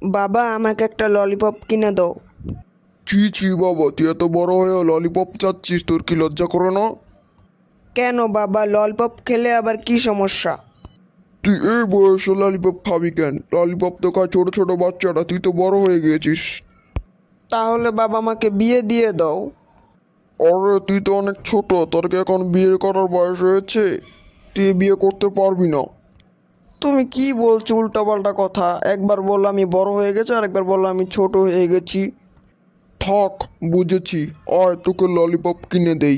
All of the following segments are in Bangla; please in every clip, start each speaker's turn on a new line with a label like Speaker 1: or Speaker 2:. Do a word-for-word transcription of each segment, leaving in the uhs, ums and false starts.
Speaker 1: বাবা আমাকে একটা ললিপপ কিনে দাও।
Speaker 2: ছি ছি বাবা, তুই এত বড় হয়ে ললিপপ চাচ্ছিস? তোর কি লজ্জা করে না?
Speaker 1: কেন বাবা, ললিপপ খেলে আবার কি সমস্যা?
Speaker 2: তুই এই বয়সে ললিপপ খাবি কেন? ললিপপ তো খায় ছোট ছোট বাচ্চারা, তুই তো বড় হয়ে গিয়েছিস।
Speaker 1: তাহলে বাবা আমাকে বিয়ে দিয়ে দাও।
Speaker 2: আরে তুই তো অনেক ছোট, তোর কি এখন বিয়ে করার বয়স হয়েছে? তুই বিয়ে করতে পারবি না।
Speaker 1: তুমি কি বলছো উল্টাপাল্টা কথা? একবার বললো আমি বড় হয়ে গেছি, আর একবার বললো আমি ছোট হয়ে গেছি।
Speaker 2: থাক, বুঝেছি। আয় তোকে ললিপপ কিনে দেই।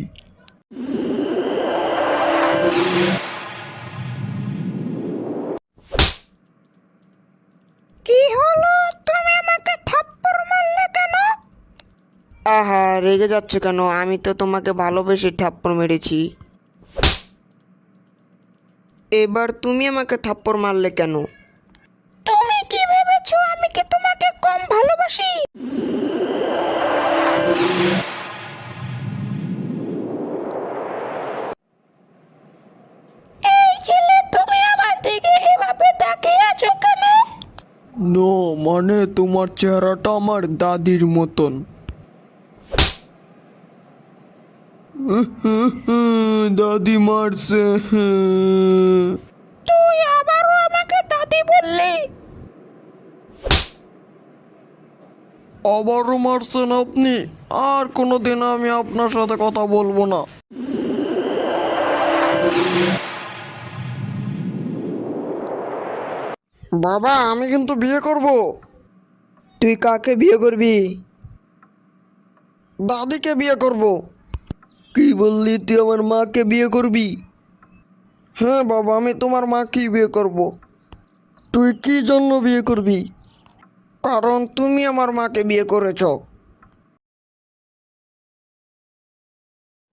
Speaker 1: কি হলো? তুমি আমাকে থাপ্পড় মারলে কেন? আহা, রেগে যাচ্ছ কেন? আমি তো তোমাকে ভালোবেসে থাপ্পড় মেরেছি। এবার তুমি আমাকে থাপ্পড় মারলে কেন? তুমি কি ভেবেছো আমি কি তোমাকে কম ভালোবাসি? এই ছেলে, তুমি আমার দিকে এভাবে তাকিয়ে আছো কেন?
Speaker 2: নো, মানে তোমার চেহারাটা আমার দাদির মতন। দাদি মারছে।
Speaker 1: তুই আবারও আমাকে দাদি বললি?
Speaker 2: আবারও মারছেন আপনি? আর কোনোদিন আমি আপনার সাথে কথা বলবো না। বাবা, আমি কিন্তু বিয়ে করব।
Speaker 1: তুই কাকে বিয়ে করবি?
Speaker 2: দাদিকে বিয়ে করব।
Speaker 1: কি বললি? তুই আমার মাকে বিয়ে করবি?
Speaker 2: হ্যাঁ বাবা, আমি তোমার মাকেই বিয়ে করব।
Speaker 1: তুই কি জন্য বিয়ে করবি?
Speaker 2: কারণ তুমি আমার মাকে বিয়ে করেছো।